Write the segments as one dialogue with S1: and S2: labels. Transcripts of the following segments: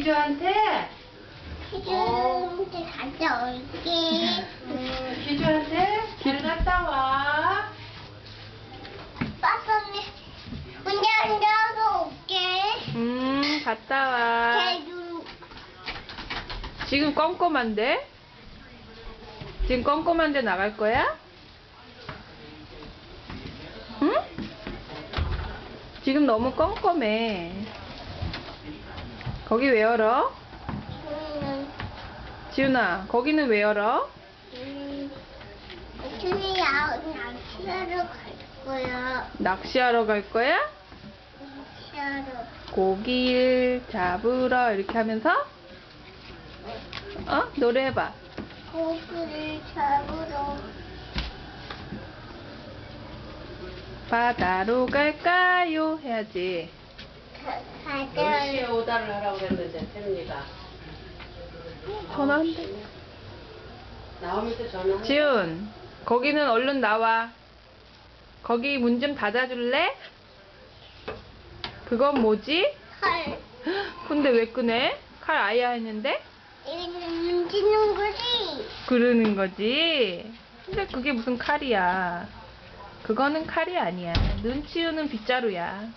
S1: 기주한테?
S2: 기주한테 갔다 올게.
S1: 기주한테? 길 갔다 와.
S2: 빠빠는 혼자 앉아서 올게.
S1: 갔다 와.
S2: 개주.
S1: 지금 껌껌한데? 지금 껌껌한데 나갈 거야? 응? 지금 너무 껌껌해. 거기 왜 열어? 지훈아, 거기는 왜 열어?
S2: 준이야, 낚시하러 갈 거야.
S1: 낚시하러 갈 거야?
S2: 낚시하러.
S1: 고기를 잡으러 이렇게 하면서 노래해봐.
S2: 고기를 잡으러.
S1: 바다로 갈까요? 해야지.
S2: 가자.
S3: 오다를 하라고 그랬는데 혜민이가
S1: 전화한대.
S3: 나오면서 전화.
S1: 지훈, 거기는 얼른 나와. 거기 문 좀 닫아줄래? 그건 뭐지?
S2: 칼.
S1: 근데 왜 끄네? 칼 아야 했는데?
S2: 이거는 눈치는 거지.
S1: 그러는 거지. 근데 그게 무슨 칼이야. 그거는 칼이 아니야. 눈 치우는 빗자루야.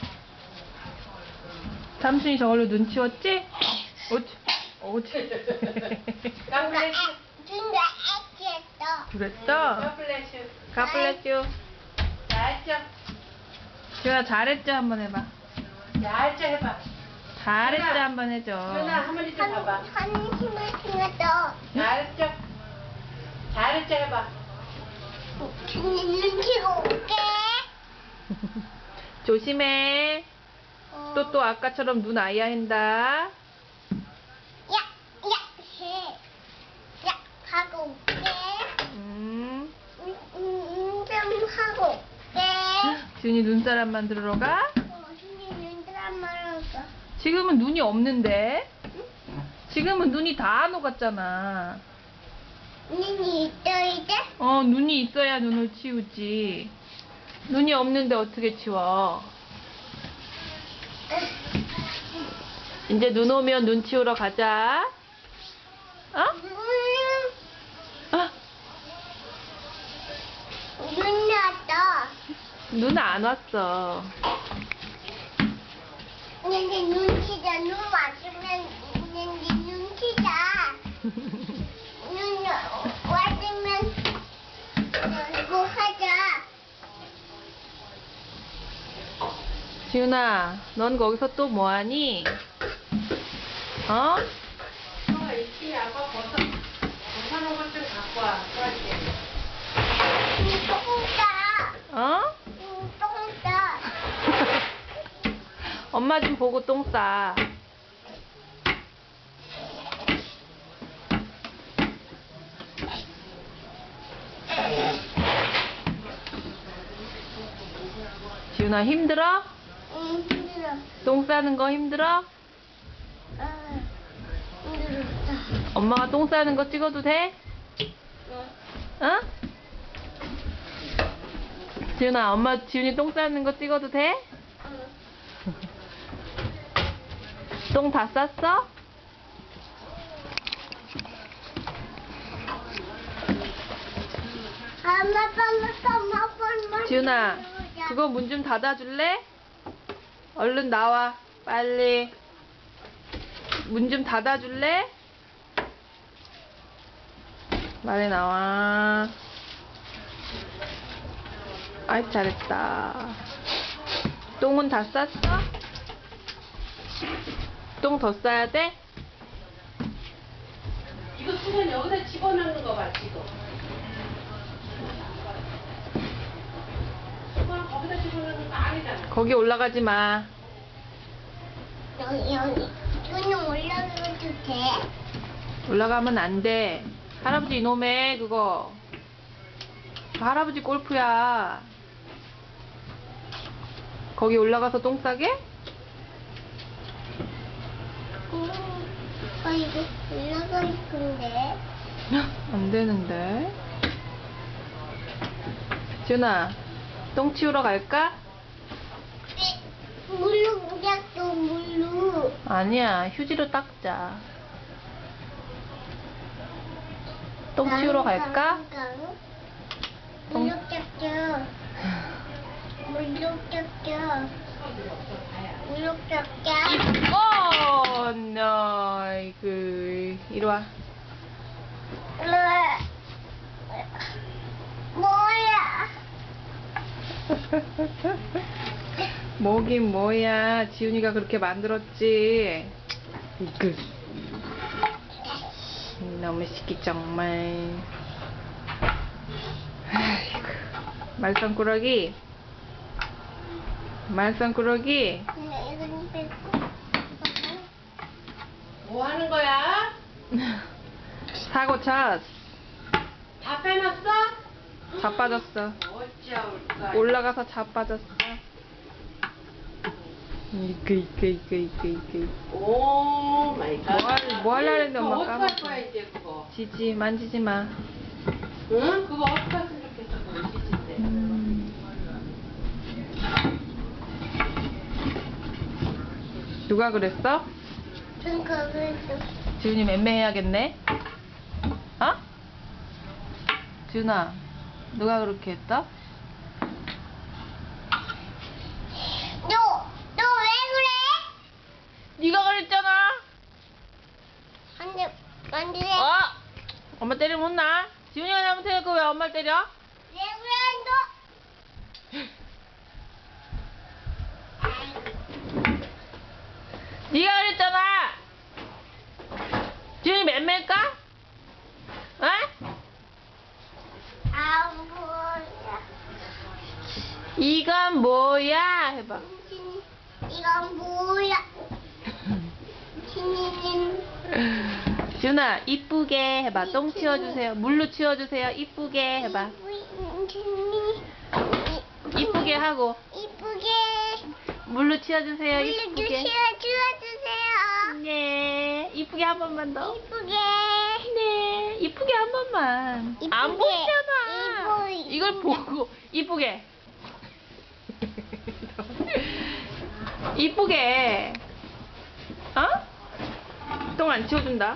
S1: 삼순이 저걸로 눈 치웠지? 오지.
S3: 깜플래시.
S2: 준이가 애기했어.
S1: 그랬어?
S3: 깜플래시.
S1: 가플레쥬.
S3: 잘했죠?
S1: 지훈아 잘했죠? 한번 해봐.
S3: 잘했죠 해봐.
S1: 잘했죠?
S3: 지훈아.
S1: 한번 해줘.
S3: 준아 할머니 좀 봐봐.
S2: 한심을 생겼어.
S3: 잘했죠? 잘했죠 해봐.
S2: 준이 눈치가 올게.
S1: 조심해. 또 아까처럼 눈 아야 한다.
S2: 야, 해. 야, 하고 올게. 좀 하고 올게.
S1: 지훈이 눈사람 만들러 가?
S2: 준이 눈사람 말았어.
S1: 지금은 눈이 없는데? 지금은 눈이 다 녹았잖아.
S2: 눈이 있어 이제?
S1: 눈이 있어야 눈을 치우지. 눈이 없는데 어떻게 치워? 이제 눈 오면 눈 치우러 가자.
S2: 눈 났다.
S1: 눈 안 왔어.
S2: 근데 눈치자. 눈 맞으면 근데 눈치자. 눈 맞으면 이거 하자.
S1: 지훈아, 넌 거기서 또 뭐하니?
S3: 이끼 아빠 벗어놓은 것 좀 갖고 와. 좋아할게.
S2: 똥 싸. 똥 싸.
S1: 엄마 좀 보고 똥 싸. 지훈아 힘들어?
S2: 힘들어.
S1: 똥 싸는 거 힘들어?
S2: 힘들었다.
S1: 엄마가 똥 싸는 거 찍어도 돼? 어? 지훈아, 엄마 지훈이 똥 싸는 거 찍어도 돼? 똥 다 쌌어?
S2: 엄마.
S1: 지훈아, 그거 문 좀 닫아줄래? 얼른 나와, 빨리. 문 좀 닫아줄래? 빨리 나와. 아이, 잘했다. 똥은 다 쌌어? 똥 더 싸야 돼?
S3: 이거 수건 여기다 집어넣는 거 봐, 지금. 수건 거기다 집어넣는 거 아니잖아.
S1: 거기 올라가지 마.
S2: 여기. 눈이 올라가도 돼?
S1: 올라가면 안 돼. 할아버지 이놈의 그거. 그 할아버지 골프야. 거기 올라가서 똥 싸게?
S2: 이거 올라갈 건데.
S1: 안 되는데. 지훈아, 똥 치우러 갈까?
S2: 물로 물약도 물로.
S1: 아니야, 휴지로 닦자. 똥 치우러 갈까? 똥-
S2: 물욕 닦자. 물욕 닦자. 물욕 닦자.
S1: 아이고, 이리 와.
S2: 뭐야?
S1: 뭐긴 뭐야. 지훈이가 그렇게 만들었지. 이그. 너무 시키 정말. 아이고. 말썽꾸러기. 말썽꾸러기.
S2: 이건 뺏고.
S3: 뭐 하는 거야?
S1: 사고 쳤.
S3: 다 빼놨어?
S1: 자빠졌어.
S3: 어찌할까?
S1: 올라가서 자빠졌어. 이그.
S3: 오 마이 갓.
S1: 뭐 하려고 했는데 엄마
S3: 그거 어떡할
S1: 까먹었어.
S3: 거야 이제 그거?
S1: 지지, 만지지 마.
S3: 응? 그거 어떻게 했으면 좋겠어 그거 시집인데.
S1: 누가 그랬어?
S2: 전 거기서.
S1: 지훈이 맴매해야겠네. 어? 지훈아, 누가 그렇게 했어?
S2: 너 왜 그래?
S1: 네가 그랬잖아.
S2: 안 돼.
S1: 엄마 때리면 혼나. 지훈이가 잘못해놓고 왜 엄마를 때려?
S2: 왜 그래,
S1: 네가 그랬잖아. 지훈이 맴매일까? 어?
S2: 너? 아, 뭐야.
S1: 이건 뭐야? 해봐.
S2: 이건 뭐야? 신이는
S1: 지훈아, 이쁘게 해봐. 똥 치워주세요. 물로 치워주세요. 이쁘게 해봐. 이쁘게 하고.
S2: 이쁘게
S1: 물로 치워주세요.
S2: 물로
S1: 이쁘게.
S2: 주세요.
S1: 네. 이쁘게 한 번만 더.
S2: 이쁘게.
S1: 네. 이쁘게 한 번만.
S2: 이쁘게.
S1: 안 보이잖아.
S2: 이쁘게.
S1: 이걸 보고 이쁘게. 이쁘게. 어? 똥 안 치워준다.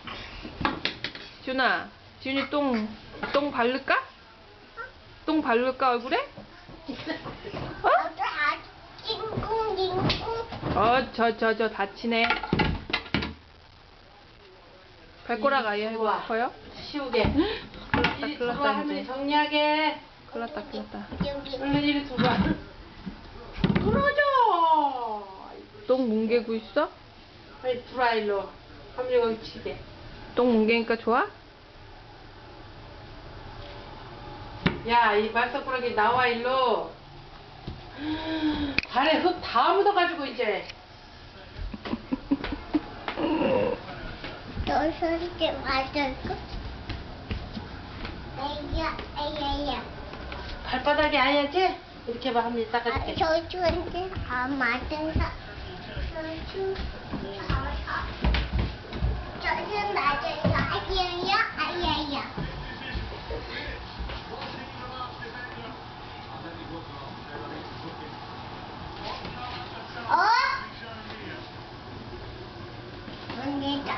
S1: 지훈아, 지훈이 똥 바를까? 똥 바를까 얼굴에? 어?
S2: 너도 다 찡꿍찡꿍.
S1: 저 다치네. 발꼬락 아예 하고
S3: 좋아.
S1: 싶어요?
S3: 치우게. 이리
S1: 큰일 났다,
S3: 들어와 할머니
S1: 이제.
S3: 정리하게.
S1: 큰일 났다.
S2: 여기.
S3: 얼른 이리 들어와. 들어줘.
S1: 똥 뭉개고 있어?
S3: 빨리 들어와 일로. 할머니 거기 치게.
S1: 똥 뭉개니까 좋아?
S3: 야, 이 말썽꾸러기 나와 일로. 발에 흙 다 묻어가지고 이제.
S2: 너 소리 좀 맞을까? 에이야.
S3: 발바닥이 아니지? 이렇게 봐, 할머니 닦아줄게.
S2: 저주한테 안 맞은다. 저주 맞아요. 아야야. 어? 언니다.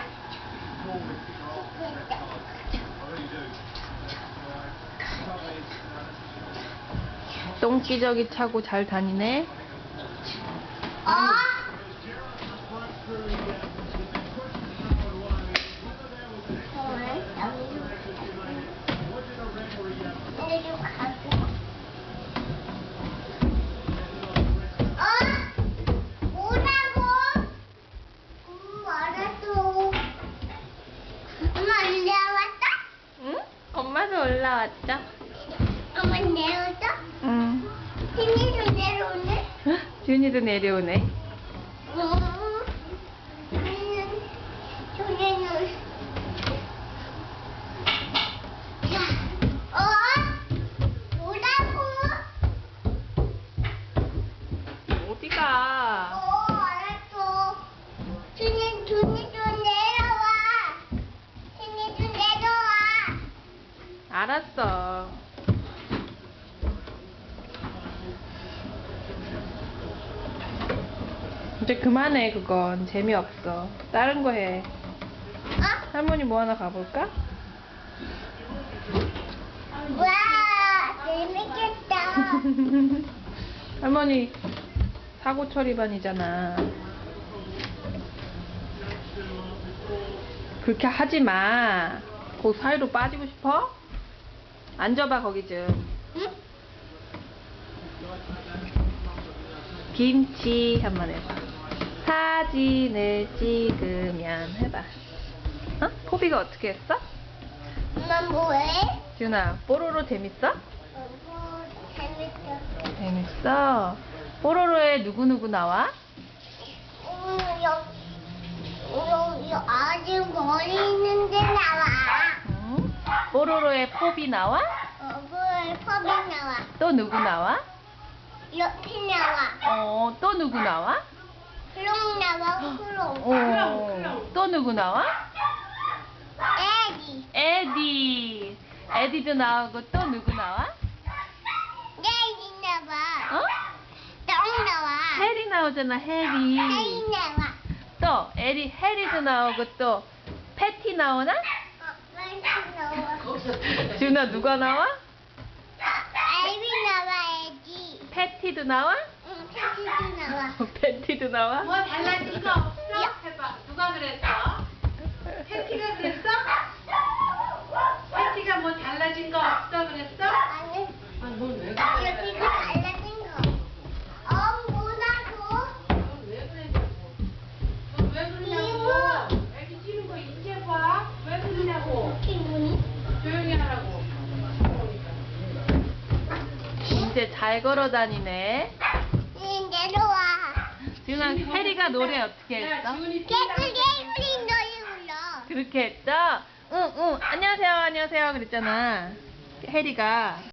S1: 똥기저귀 차고 잘 다니네.
S2: 어? 내려 가고. 뭐라고? 알았어. 엄마 내려왔다?
S1: 응? 엄마도 올라왔죠?
S2: 엄마 내려왔다?
S1: 응.
S2: 힘이 좀 내려오네?
S1: 지훈이도 내려오네.
S2: 저기는 뭐라고?
S1: 어디가?
S2: 알았어. 준이 좀 내려와. 준이 좀 내려와.
S1: 알았어. 이제 그만해 그건 재미없어. 다른 거 해.
S2: 어?
S1: 할머니 뭐 하나 가볼까?
S2: 와, 재밌겠다.
S1: 할머니 사고 처리반이잖아. 그렇게 하지 마. 그 사이로 빠지고 싶어? 앉아봐 거기 좀.
S2: 응?
S1: 김치 한번 해봐. 사진을 찍으면 해봐. 어? 포비가 어떻게 했어?
S2: 엄마 뭐해?
S1: 지훈아, 뽀로로 재밌어?
S2: 재밌어.
S1: 재밌어. 뽀로로에 누구누구 나와?
S2: 여기 아직 머리 있는데 나와.
S1: 응? 뽀로로에 포비 나와?
S2: 얼굴 컵이 나와.
S1: 또 누구 나와?
S2: 옆이 나와.
S1: 또 누구 나와?
S2: 크롱 나와. 크롱.
S1: 또 누구 나와?
S2: 애기.
S1: 에디. 에디도 나오고 또 누구 나와?
S2: 애기 나와.
S1: 어?
S2: 똥 나와.
S1: 해리 나오잖아, 해리.
S2: 애기 나와.
S1: 또 해리도 나오고 또 패티 나오나?
S2: 빨리 나와.
S1: 지훈아 누가 나와?
S2: 애기 나와. 애기.
S1: 패티도 나와?
S2: 응, 패티도 나와.
S1: 패티도 나와?
S3: 뭐 달라진 거 없어? 해봐. 누가 그랬어? 패티가 그랬어? 패티가 뭐 달라진 거 없어 그랬어?
S2: 아니,
S3: 아넌왜
S2: 여기가 달라진 거. 뭐라고?
S3: 왜 그랬냐고. 왜 그러냐고. 애기 찌는 거 이제 봐. 왜 그러냐고.
S2: 기분이?
S3: 조용히 하라고.
S1: 이제 잘 걸어 다니네.
S2: 내려와.
S1: 지훈아, 해리가 노래 어떻게
S3: 야,
S1: 했어?
S3: 지훈이
S2: 개구리 노래 불러.
S1: 그렇게 했죠? 응, 안녕하세요, 안녕하세요 그랬잖아. 해리가.